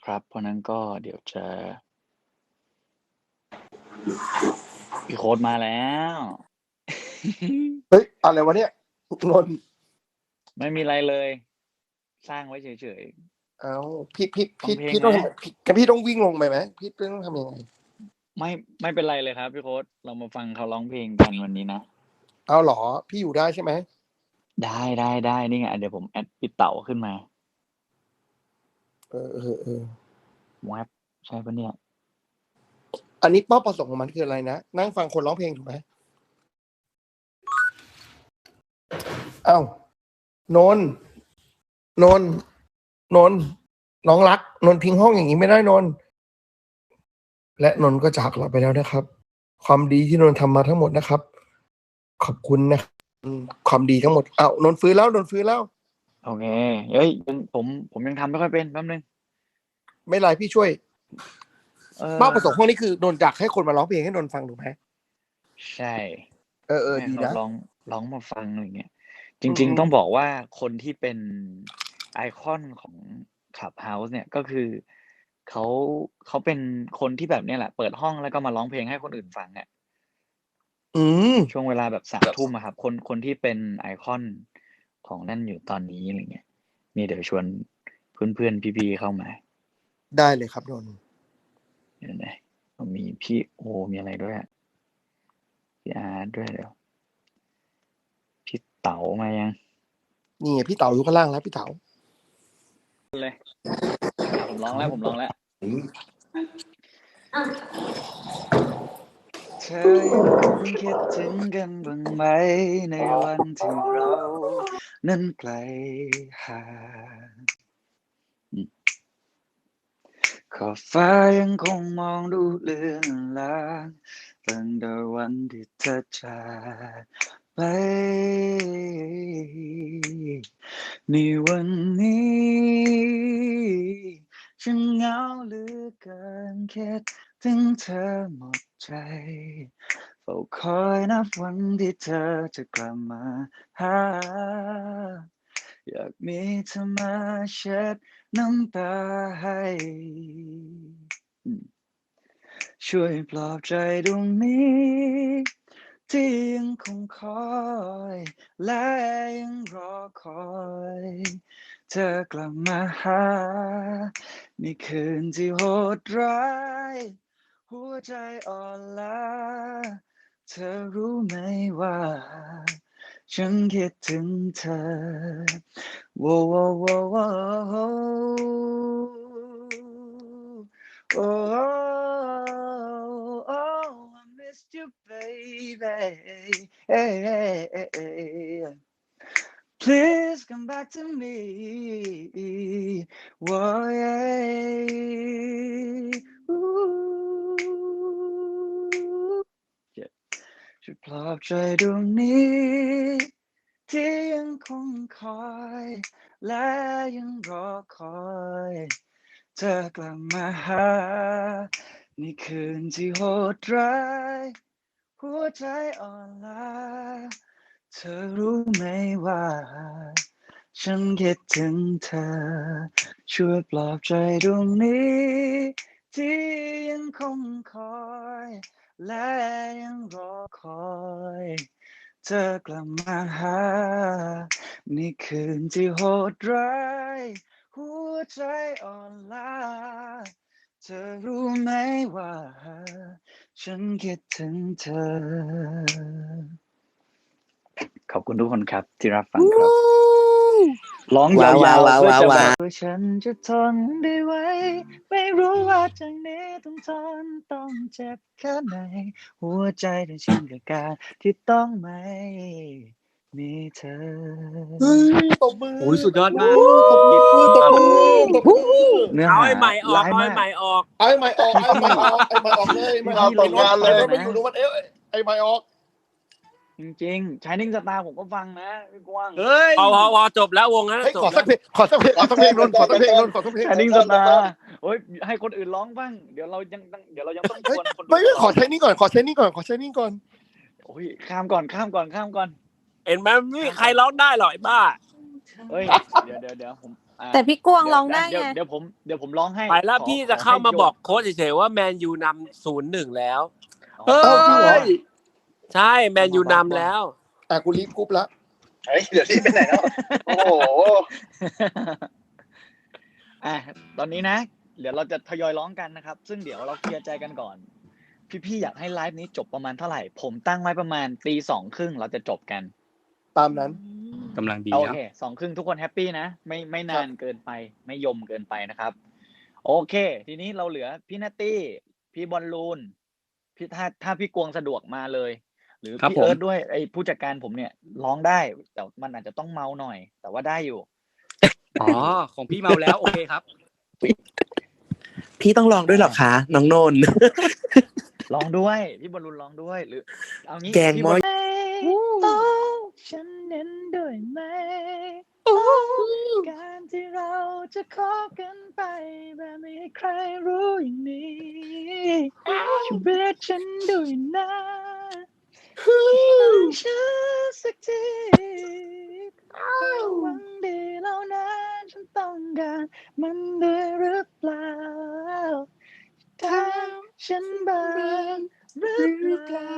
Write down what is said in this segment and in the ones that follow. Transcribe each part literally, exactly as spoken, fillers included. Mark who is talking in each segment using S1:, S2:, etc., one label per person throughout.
S1: นะครับ เพราะนั้นก็เดี๋ยวจะ พี่โค้ดมาแล้ว
S2: เฮ้ยอะไรวะเนี่ยนนท์
S1: ไม่มีอะไรเลย สร้างไว้เฉย
S2: เอ้าพี่พี่
S1: ฟัง
S2: พี่
S1: เพลง
S2: พี่ต้อง
S1: ไหม
S2: ทำพี่พี่ต้องวิ่งลงไปไหมพี่ต้องทำยังไง
S1: ๆ ไม่ไม่เป็นไรเลยครับพี่โค้ดเรามาฟังเขาร้องเพลงกันวันนี้นะ
S2: เอาเหรอพี่อยู่ได้ใช่ไหม
S1: ได้ได้ได้นี่ไงเดี๋ยวผมแอดพี่เต๋าขึ้นมา
S2: เออเออเออ
S1: แวบใช่ปะเนี่ย
S2: อันนี้เป้าประสงค์ของมันคืออะไรนะนั่งฟังคนร้องเพลงถูกไหมเอ้านนท์นนท์นนท์น้องรักนนท์ทิ้งห้องอย่างนี้ไม่ได้นนท์และนนท์ก็จากเราไปแล้วนะครับ ความดีที่นนท์ทำมาทั้งหมดนะครับ ขอบคุณนะครับอืมความดีทั้งหมดเอ้านนท์ฟื้นแล้วนนท์ฟื้นแล้ว
S1: โอเคเฮ้ยผมผมผมยังทำไม่ค่อยเป็นแป๊บนึง
S2: ไม่เป็นไรพี่ช่วย
S1: เออ
S2: เป้าประสงค์ห้องนี้คือนนท์อยากให้คนมาร้องเพลงให้นนท์ฟังถูกไหม
S1: ใช่
S2: เออเออ
S1: ให้
S2: ดี
S1: เขา
S2: นะ
S1: ร้องร้องมาฟังอะไรเงี้ย จ
S2: อื
S1: ริง
S2: ม
S1: ๆ ต้องบอกว่าคนที่เป็นไอคอนของ Clubhouse เนี่ยก็คือเขาเขาเป็นคนที่แบบเนี้ยแหละ เปิดห้องแล้วก็มาร้องเพลงให้คนอื่นฟังอะ
S2: อืม
S1: ช่วงเวลาแบบสามทุ่มอะครับ คนคนที่เป็นไอคอนของนั่นอยู่ตอนนี้อะไรเงี้ยนี่เดี๋ยวชวนเพื่อนๆพี่ๆเข้ามา
S2: ได้เลยครับนนท์
S1: เดี๋ยวนะมีพี่โอมีอะไรด้วยอะพี่อาร์ตด้วยเดี๋ยวพี่เต๋ามายัง
S2: นี่ไงพี่เต๋าอยู่ข้างล่างแล้วพี่เต๋า
S1: เลยผมร้องแล้วผมร้องแล้วเธอยังคงคิดถึงกันบ้างไหมในวันที่เรานั้นไกลห่างขอบฟ้ายังคงมองดูเลือนลางตั้งแต่วันที่เธอจากไปในวันนี้ฉันเหงาเหลือเกินคิดถึงเธอหมดใจเฝ้าคอยนับวันที่เธอจะกลับมาหาอยากมีเธอมาเช็ดน้ำตาให้ช่วยปลอบใจดวงนี้ที่ยังคงคอยและยังรอคอยเธอกลับมาหาในคืนที่โหดร้ายหัวใจอ่อนล้าเธอรู้ไหมว่าฉันคิดถึงเธอโว้โว้โว้โว้โอ้ oh, I missed you, baby. Hey, hey, hey, hey. Please come back to me. Whoa, yeah. Ooh. Yeah. ช่วยปลอบใจดวงนี้ที่ยังคงคอยและยังรอคอยเธอกลับมาหาในคืนที่โหดร้ายหัวใจอ่อนล้าเธอรู้ไหมว่าฉันคิดถึงเธอช่วยปลอบใจดวงนี้ที่ยังคงคอยและยังรอคอยเธอกลับมาหาในคืนที่โหดร้ายหัวใจอ่อนล้าเธอรู้ไหมว่าฉันคิดถึงเธอขอบคุณทุกคนครับที่รับฟังครับร้องยาวๆเพื่อจะแบบว่าฉันจะทนได้ไหมไม่รู้ว่าจากนี้ต้องทนต้องเจ็บแค่ไหนหัวใจได้ชินกับการที่ต้องไม่มีเธอ
S2: เฮ้ยตบมือ
S3: โอ้ยสุดยอดมาก
S2: ตบมือตบมือตบมือ
S1: เนื้อ
S3: เอา
S1: หา
S3: ไอ้ใหม่ออก
S1: ร้าย
S3: เอา
S1: มา
S3: ไอ้ใหม่
S1: ก
S3: ออก
S2: ไอ้ไม่ออกไอ้ไม่ออกไอ้ไม่ออกเลยไม่เอาตกงานเลยไม่อยู่นู้นมันเอ๊ะไอ้ไม่ออก
S1: จริงๆ Shining Star ผมก็ฟังนะพี่กว้าง
S3: เฮ้ย พอพอพอจบแล้ววงนั้น
S2: เฮ้ย
S3: จบ
S2: ขอสักเพลงขอสักเพลงขอสักเพลงนนท์ขอสักเพลงนนท์ขอสักเพลง
S1: Shining Star โอ้ยให้คนอื่นร้องบ้างเดี๋ยวเรายังต้องเดี๋ยวเรายังต้องช
S2: เฮ้ย
S1: วนคนดู
S2: ไม่ไม่ขอใช้นี่ก่อนขอใช้นี่ก่อนขอใช้นี่ก่อน
S1: โอ้ยข้ามก่อนข้ามก่อนข้ามก่อน
S3: เห็นไหมไม่มีใครร้องได้หรอกไอ้บ้า
S1: เฮ้ยเดี๋ยวเดี๋ยวเดี๋ยวผมผอ่า
S4: แต่พี่กวางร้องได้
S1: เดี๋ยว
S4: ไง
S1: เดี๋ยวผมเดี๋ยวผมร้องให้
S3: ไปแล้ว
S1: ขอ
S3: พี่จะ
S1: ข
S3: เข้า
S1: ให้
S3: มา
S1: โย
S3: บอกโค้ชเฉยๆว่าแมนยูนำศูนย์หนึ่งแล้ว
S1: อ๋อ
S3: เฮ้
S2: เอ้าจริงเหรอ
S3: ยใช่แมนยูนำแล้ว
S2: อ่ะกูรีบกรุ๊ปละ
S5: เฮ้ยเดี๋ยวรีบไปไหนแล้วโอ้โห
S1: อ่ะตอนนี้นะ เดี๋ยวเราจะทยอยร้องกันนะครับ ซึ่งเดี๋ยวเราเคลียร์ใจกันก่อน พี่ๆอยากให้ไลฟ์นี้จบประมาณเท่าไหร่ ผมตั้งไว้ประมาณตีสองครึ่งเราจะจบกัน
S2: ตามนั้น
S3: กำลังดี
S1: โอ
S3: นะ
S1: เคสองครึ่งทุกคนแฮปปี้นะ ไม่ไม่นานเกินไป ไม่ยมเกินไปนะครับ โอเค ทีนี้เราเหลือพี่นัตตี้ พี่บอลลูนพี่ถ้าถ้าพี่กวงสะดวกมาเลย หรือ
S3: ครับ
S1: พี่
S3: ผม
S1: เอิร์ธด้วยไอ้ผู้จัดการผมเนี่ยร้องได้ แต่มันอาจจะต้องเมาหน่อย แต่ว่าได้อยู่
S3: อ๋อของพี่เมาแล้วโอเคครับ
S6: พี่ต้องลองด้วยเหรอคะน้องนนท์
S1: ร้องด้วย พี่บอลลูนร้องด้วย หรือเอางี้
S6: แกง
S1: พี่
S6: ม้อย
S1: บลโอ้ฉันเน้นด้วยไหมการที่เราจะคบกันไปแบบไม่ให้ใครรู้อย่างนี้ชีวิตฉันด้วยนะต้องฉันสักทีความหวังดีเหล่านั้นฉันต้องการมันได้หรือเปล่าทำฉันบ้างหรือเปล่า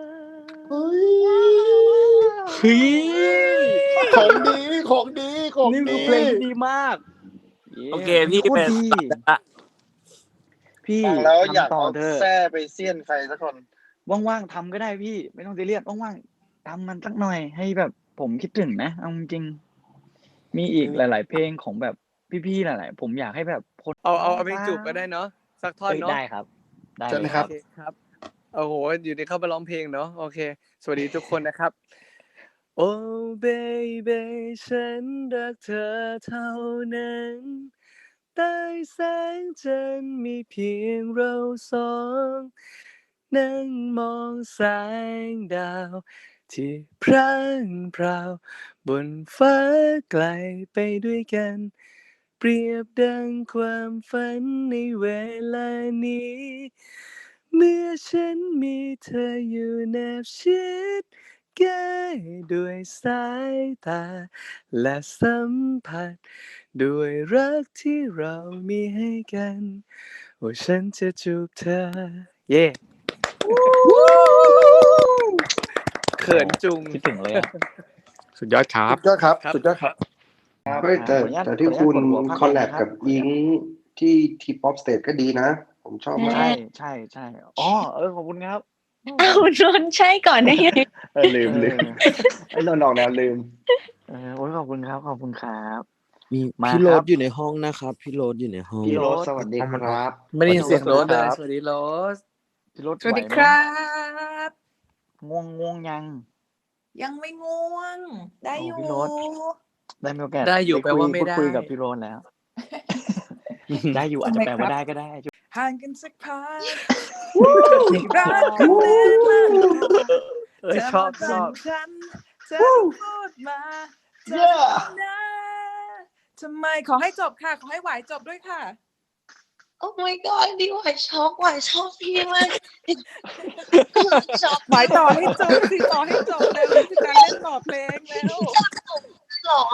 S3: เฮ้ย
S2: ของดีของดีของ
S3: นี่คือ
S2: ดี
S3: เพลงที่ดีมาก โอเคพี่
S1: โคต
S3: เป็
S1: ร
S3: น
S1: ดี
S3: อ่ะ
S1: พี่
S5: ฟังแล้วอยาก
S1: ทำต่อ
S5: เอา
S1: เถอะ
S5: แส้ไปเสี้ยนใครสักคน
S1: ว่างๆทำก็ได้พี่ ไม่ต้องซีเรียสว่างๆทำมันสักหน่อยให้แบบผมคิดถึงนะเอาจริงๆมีอีกหลาย ๆ เพลงของแบบพี่ๆหลายๆผมอยากให้แบบคน
S7: เอาเอาเอาเพลงจูบก็ได้เนาะสักท่อน
S1: เอ้ย
S7: เนาะ
S1: ได้ครับ ได้
S2: เชิญ
S1: เล
S2: เลย ย
S1: ค
S2: ครั
S1: รับ
S7: โอเคครับโอ้โหอยู่ในเข้ามาร้องเพลงเนาะโอเค สวัสดีทุกคนนะครับ โอ้เบบีฉันรักเธอเท่านั้นใต้แสงจันทร์มีเพียงเราสองนั่งมองแสงดาว ที่พร่างพราวบนฟ้าไกลไปด้วยกัน เปรียบดังความฝันในเวลานี้ เมื่อฉันมีเธออยู่แนบชิดใกล้ด้วยสายตา และสัมผัส ด้วยรักที่เรามีให้กันว่าฉันจะจูบเธอ เย่เขินจุง
S1: คิดถึงเลยอะ
S3: สุดยอดครับ
S2: สุดยอดครับ
S7: ครับ
S2: สุดยอดครับ
S5: เฮ้ยแต่
S1: ขออนุญาต
S5: แต่ที่
S1: ขออนุญาต
S5: คุณ
S1: กดหัวภาค
S5: คอลแลบ
S1: นะครับ
S5: กับอิงที่ทีป๊อปสเตทก็ดีนะ ผมชอบมา
S1: ใช่
S5: ก
S1: ใช่ใช่อ๋อเออขอบคุณครับ
S4: เอานนท์ใช่ก่อนได้ไง
S5: เออลืมลืมไอ้นนท์ออกแนวลืม
S1: เออโอ้ยขอบคุณครับขอบคุณครับ
S6: มี
S1: มา
S6: พี่โร
S1: ครั
S6: ด
S1: บ
S6: อยู่ในห้องนะครับ พี่โรดอยู่ในห้อง
S5: พี่โรสสวัสดีครับ
S7: ไม่ได้ยินเสียงโรสเลย
S1: ครับ
S7: สวัสดีโรส
S1: พี่รถ
S8: สวัสดี
S1: ไหไหม
S8: ครับ
S1: ง่วงง่วงยัง
S8: ยังไม่ง่วง ได้อยู่
S1: โอ้พี่โรส ได้มีโอกาส
S7: ได้อยู่
S1: คุ
S7: แปลว่าไม่
S1: พู
S7: ได้
S1: คุยกับพี่โรนแล้ว ได้อยู่อาจจะแปลว่าได้ก็ได้
S8: ห่างกันสักพักรักกันแน่นอน
S7: เออชอบชอบ
S8: ฉันเธอพูดมาเธอนะทำไมขอให้จบค่ะ ขอให้หวายจบด้วยค่ะ
S9: โอ้ my god ดิหวายช็อกหวายชอบพี่มากช็อก
S8: หวายต่อให้จบสิต่อให้จบแล้วนี่คือการเล่นต่อเพลงแล้ว
S9: หรอ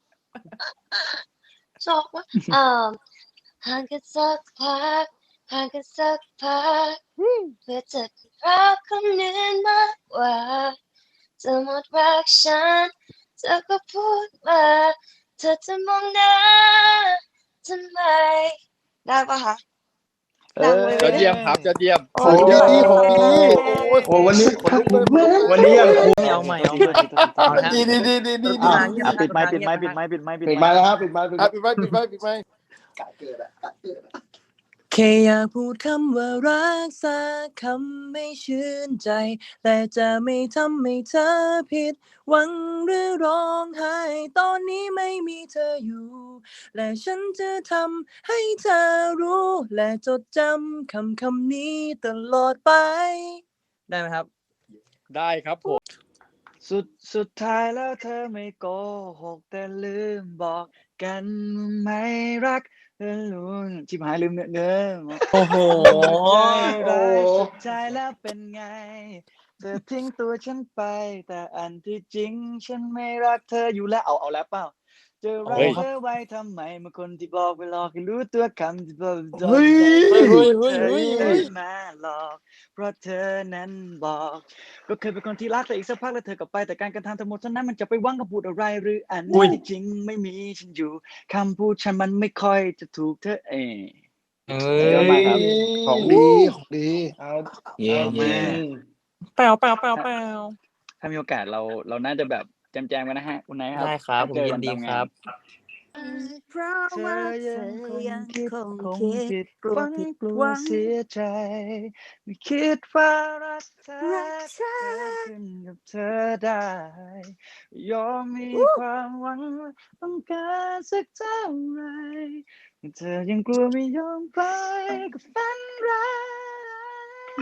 S9: ช็อกว่าเอ่อห่างกันสักพักห่างกันสักพักเพื่อจะรักคนอื่นมากกว่าจะหมดรักฉันเธอก็พูดมาเธอจะมองหน้าทำไมได้ปะคะดังเลย
S5: ยอดเยี่ยมครับยอดเยี่ยม
S2: ของดีของดี
S5: โอ้วันนี้
S1: วันนี้ยังคุ้มเอาใหม่เอาใหม่
S2: ดีดีดีดีดี
S1: อ่ะ
S2: ดี
S1: อ่ะปิดไม้ปิดไม้ปิดไม้ปิดไม้
S5: ปิดมาแล้วครับปิดมาปิด
S2: อ่ะ
S5: มา
S2: ปิดไว้ปิดไว้ปิดไว้
S5: กะเกิดอะกะเกิดอะ
S6: แค่อยากพูดคำว่ารักสักคำไม่ชื่นใจ แต่จะไม่ทำให้เธอผิดหวังหรือร้องไห้ตอนนี้ไม่มีเธออยู่ และฉันจะทำให้เธอรู้ และจดจำคำคำนี้ตลอดไป ได้ไหมครับ
S7: ได้ครับผม
S1: สุดสุดท้ายแล้วเธอไม่โกหกแต่ลืมบอกกันว่าไม่รักเธอรู้ชิบหายลืมเนื้อเนื้อ
S6: โอ้โห
S1: ใจร้ายสุดท้ายแล้วเป็นไงเธอทิ้งตัวฉันไป แต่อันที่จริงฉันไม่รักเธออยู่แล้วเอาเอาแล้วเปล่าจะรักเธอไว้ทำไมเมื่อคนที่บอกไปหลอกให้รู้ตัวคำที่บอก
S2: เฮ้ย
S1: เธอ
S2: เฮ้ย
S1: เธ
S2: เฮ้ย
S1: อ
S2: เฮ้ย
S1: มาหลอกเพราะเธอนั้นบอก ก็เคยเป็นคนที่รักแต่อีกสักพักแล้วเธอกลับไปแต่การกระทำทั้งหมดเท่านั้นมันจะไปหวังคำพูดอะไรหรืออันที่จริงไม่มีฉันอยู่คำพูดฉันมันไม่ค่อยจะถูกเธอเอง
S3: เอ้
S1: เยอะมากครับ
S2: ของดีของดี
S5: เอา
S3: เย่
S5: เอา
S3: เย่
S5: จริง
S8: แปลวแปลวแปลวแปลว
S1: ถ้ามีโอกาสเราเราน่าจะแบบแจมๆกันนะฮะคุณนายครับ
S3: ได้ครับผม
S1: เจอ
S3: ยิ
S1: กัน น
S3: ดี
S1: ตาม
S3: ค
S1: งา
S3: รั
S1: น
S3: บ
S4: เพราะ
S1: เธ
S4: ว่า
S1: อ
S4: เธ
S1: ยัง
S4: อ
S1: คง
S4: ยัง
S1: คิด
S4: คง
S1: คง
S4: คิด
S1: ผิด
S4: กลั
S1: ห
S4: ว
S1: วัง
S4: ผิด
S1: กลั
S4: ห
S1: ว
S4: วัง
S1: เสียใจไม่คิดว่ารักเธอ
S4: รักเธอ
S1: เกิดขึ้นกับเธอได้ยอมมีความหวังต้องการสักเท่าไหร่เธอยังกลัวไม่ยอมไปกับฝันร้าย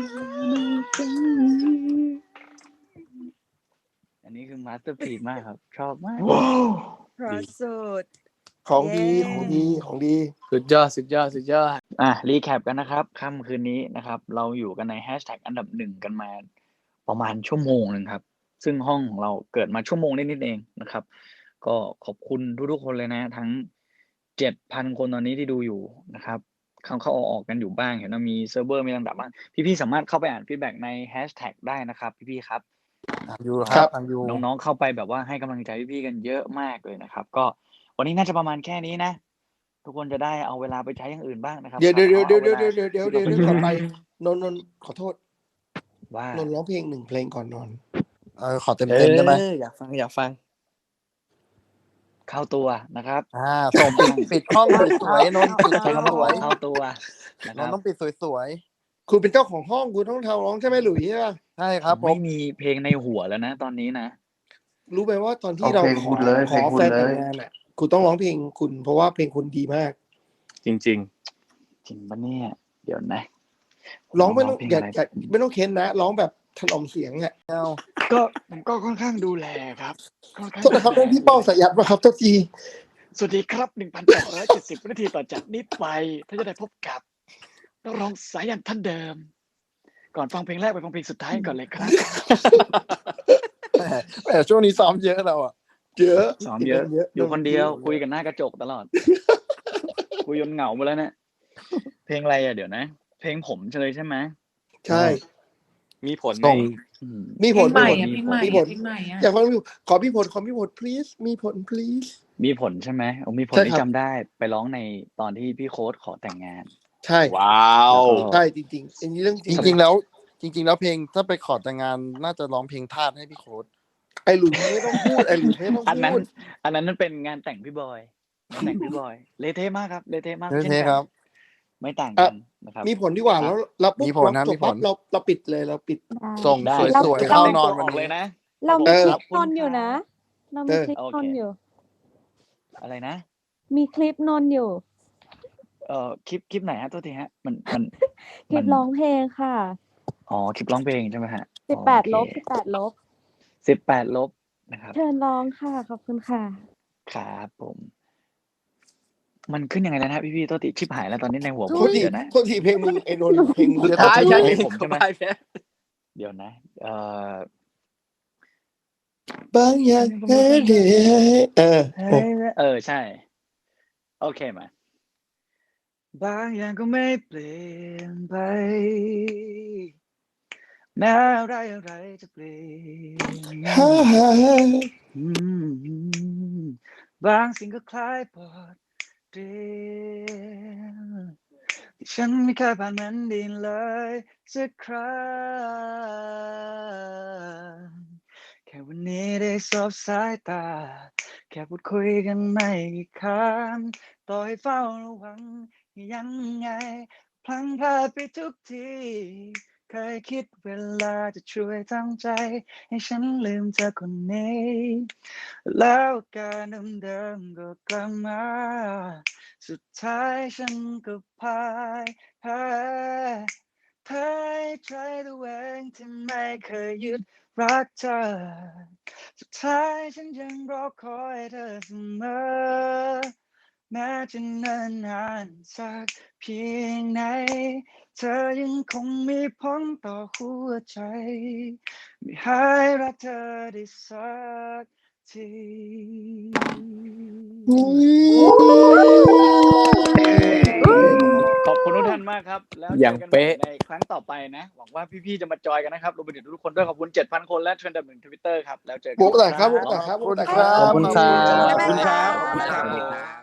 S1: อันนี้คือมาสเตอร์พีซมากครับ ชอบมาก
S2: ว้าว
S4: เพราะสุด
S2: ของดี
S4: เย้
S2: ของดีของดี
S3: สุดยอดสุดยอดสุดยอด
S1: อ่ะรีแคปกันนะครับค่ำคืนนี้นะครับ เราอยู่กันในแฮชแท็กอันดับหนึ่งกันมาประมาณชั่วโมงหนึ่งครับ ซึ่งห้องของเราเกิดมาชั่วโมงนิดๆเองนะครับ ก็ขอบคุณทุกๆคนเลยนะ ทั้งเจ็ดพันคนตอนนี้ที่ดูอยู่นะครับ เข้าเข้าออกๆกันอยู่บ้างเห็นว่ามีเซิร์ฟเวอร์มีลำดับบ้างพี่ๆสามารถเข้าไปอ่านฟีดแบ็กในแฮชแท็กได้นะครับพี่ๆครับ
S3: ทางยูค
S2: ครั
S3: รับบ ทางยู
S1: น้องๆเข้าไปแบบว่าให้กำลังใจพี่ๆกันเยอะมากเลยนะครับ ก็วันนี้น่าจะประมาณแค่นี้นะ ทุกคนจะได้เอาเวลาไปใช้อย่างอื่นบ้างนะครับ
S2: เดี๋ยวเดี๋ยว
S1: ขอ
S2: เดี๋ยว
S1: เอา
S2: เดี๋ยว
S1: เวลา
S2: เดี๋ยวเดี๋ยวเดี๋ยว
S1: ที่
S2: เดี๋ยว
S1: เรา
S2: เดี๋ยวก่อนไปนนท์นนท์ขอโทษ
S1: ว่า
S2: นนท์ร้องเพลงหนึ่งเพลงก่อนนอน
S3: เออขอเต็มเต็มได้ไหม
S7: อออยากฟังอยากฟัง
S1: เข้าตัวนะครับ
S3: อ่าส่งปิดปิดห้องสวยๆนนท์ปิด
S1: ใช้คำว่า
S3: สวย
S1: เข้าตัวนะ
S3: ๆ
S1: คน รับ
S3: นท์ต้องปิดสวย
S2: คุณเป็นเจ้าของห้องคุณต้องทำร้องใช่ไหมหลุยส์ใช่ป่ะ
S3: ๆใช่ครับผ
S1: ไม่
S3: ม
S1: มีเพลงในหัวแล้วนะ ตอนนี้นะ
S2: รู้ไหมว่าตอนที่
S5: เอา
S2: เรา
S5: เพลง
S2: ข
S5: คุ
S2: อ
S5: ณเลย
S2: ข
S5: เพล
S2: อง
S5: คุณ
S2: แฟน
S5: เล
S2: แต่
S5: ย
S2: งงานอ่ะคุณต้องร้องเพลงคุณ เพราะว่าเพลงคุณดีมาก
S3: จริง
S1: จริงปะเนี่ย เดี๋ยวนะ
S2: ร้องไม่ต้อง
S1: เพลง
S2: อย่า
S1: อะไร
S2: อย่าไม่ต้องเค้นนะร้องแบบถนอมเสียงอ่ะ
S3: ๆเอา
S1: ก็ผมก็ค่อนข้างดูแลครับค่อนข้าง
S2: โทษนะครับ
S1: ดูแล
S2: นั่นพี่เป้าสายัดป่ะครับโทษที
S1: สวัสดีครับ หนึ่งพันแปดร้อยเจ็ดสิบ นาทีต่อจากนี้ไปถ้าจะได้พบกับนักร้องสายันท่านเดิม ก่อนฟังเพลงแรกไปฟังเพลงสุดท้ายก่อนเลยครับ
S3: แหมแหมช่วงนี้ซ้อมเยอะเราอ่ะ
S2: เยอะ
S1: ซ้อมเยอะ อยู่คนเดียว คุยกันหน้ากระจกตลอด คุยจนเหงาไปแล้วเนี่ยเพลงอะไรอ่ะเดี๋ยวนะ เพลงผมเลยใช่ไหม
S2: ใช่
S3: มีผลไหม
S2: ส่ง
S1: อืม
S2: มี
S8: เพ
S2: ผ
S8: ล
S2: ล
S8: งใหม่
S2: มี
S8: อะ
S2: ผล
S8: เพลงใหม่
S2: มีผ
S8: อะ
S2: ล
S8: เพลงใหม่อะ
S2: อยากฟังพี่ขอพี่ผลขอพี่ผล please มีผล please
S1: มีผลใช่ไหมโอ้มีผล
S2: ใช่
S1: ที่
S2: ครับ
S1: จำได้ไปร้องในตอนที่พี่โค้ดขอแต่งงาน
S2: ใช่
S3: ว้าว
S1: แล้วก็
S2: ใช่จริงๆอันนี้เรื่องจ
S3: จ
S2: ริง
S3: ริงๆแล้ว จริง ๆ แล้วเพลงถ้าไปขอแต่งงานน่าจะร้องเพลงทาสให้พี่โค้ด
S2: ไอ้หลุยไม่ต้องพูดไอ้หลุยไม่ต้อง
S1: อันนั้น
S2: พูด
S1: อันนั้นนั่นเป็นงานแต่งพี่บอยงานแต่งพี่บอยเละเทะมากครับเละเทะมาก
S3: เละ
S1: ช่น
S3: เทะ
S1: กัน
S3: ครับ
S1: ไม่ต่างกันนะครับ
S2: มีผลดีกว่า
S1: อ่ะ
S2: แล้วเราปุ๊บ
S3: มีผลนะ
S2: เราจ
S3: มี
S2: บ
S3: ผล
S2: ปั๊บเราเราปิดเลยเราปิด
S3: ส่ง
S1: ได้
S3: สวย
S1: ทุก
S3: ๆ
S1: คน
S3: เข้า
S1: เต้น
S3: นอ
S1: ตั
S3: น
S1: ว
S3: วัน
S1: ออกเล
S3: นี้
S1: ยนะ
S4: เรามี
S2: เออ
S4: คลิปนนท์อยู่นะ เรามีคลิป
S1: โอน เค
S4: นท์อยู่
S1: อะไรนะ
S4: มีคลิปนนท์อยู่
S1: เอ่อคลิปคลิปไหนฮะโทษทีฮะ มันมัน
S4: คลิปร้องเพลงค่ะ
S1: อ๋อคลิปร้องเพลงใช่ไหมฮะ
S4: สิบแปด
S1: โอเค
S4: ลบสิบแปดลบ
S1: สิบแปดลบนะครับ
S4: เชิญร้องค่ะ ขอบคุณค่ะ
S1: ครับผม มันขึ้นยังไงแล้วนะพี่พี่ๆโทษทีชิบหายแล้วตอนนี้ในหัวผ
S2: โท
S1: ม
S2: ษที
S1: เดี๋ยวนะ
S2: โทษทีเพลงมึงไอ้นนท์เพลงมึง
S3: สุดท้าย
S1: อ๋อ
S3: ใช่
S1: เพ
S3: ไห
S1: ล
S3: ม
S1: งผมใช่ไหม
S3: ไปแพ้
S1: เดี๋ยวนะ เอ่อบ
S2: างอย่างแค่เดียวเออ
S1: เฮ้ยเออใช่ โอเคมา บางอย่างก็ไม่เปลี่ยนไปแม้อะไรอะไรจะเปลี่ยน
S2: ฮ่าฮ่า
S1: อืมบางสิ่งก็คล้ายบทเรียนที่ฉันไม่เคยผ่านมันดินเลยสักครั้งแค่วันนี้ได้สบสายตา แค่พูดคุยกันไม่กี่คำต่อให้เฝ้าระวังยังไง พลังพลาดไปทุกทีเคยคิดเวลาจะช่วยทำใจให้ฉันลืมเธอคนนี้ แล้วการเดิมๆก็กลับมา สุดท้ายฉันก็พ่ายแพ้แพ้ใจตัวเองที่ไม่เคยหยุดรักเธอ สุดท้ายฉันยังรอคอยเธอเสมอ แม้จะเนิ่นนานสักเพียงไหน เธอยังคงมีผลต่อหัวใจ ไม่หายรักเธอได้สักที ขอบคุณทุกท่านมากครับแล้วเจ
S7: อย่าง
S1: อกันใหม่
S7: เป๊ะ
S1: ในครั้งต่อไปนะหวังว่าพี่ๆจะมาจอยกันนะครับรวมไปถึงทุกคนด้วยขอบคุณ เจ็ดพัน คนและเทรนด์ดับหนึ่ง Twitter ครับแล้วเจอกัน
S2: บุ๊กหน่อยครับ
S1: ค
S2: บุ๊ก
S1: รับ
S2: หน่อยครับบุ๊กหน่อย
S3: ขอบคุณครับ
S7: ขอบคุณครับ
S5: ขอบคุณครับขอบคุณครับ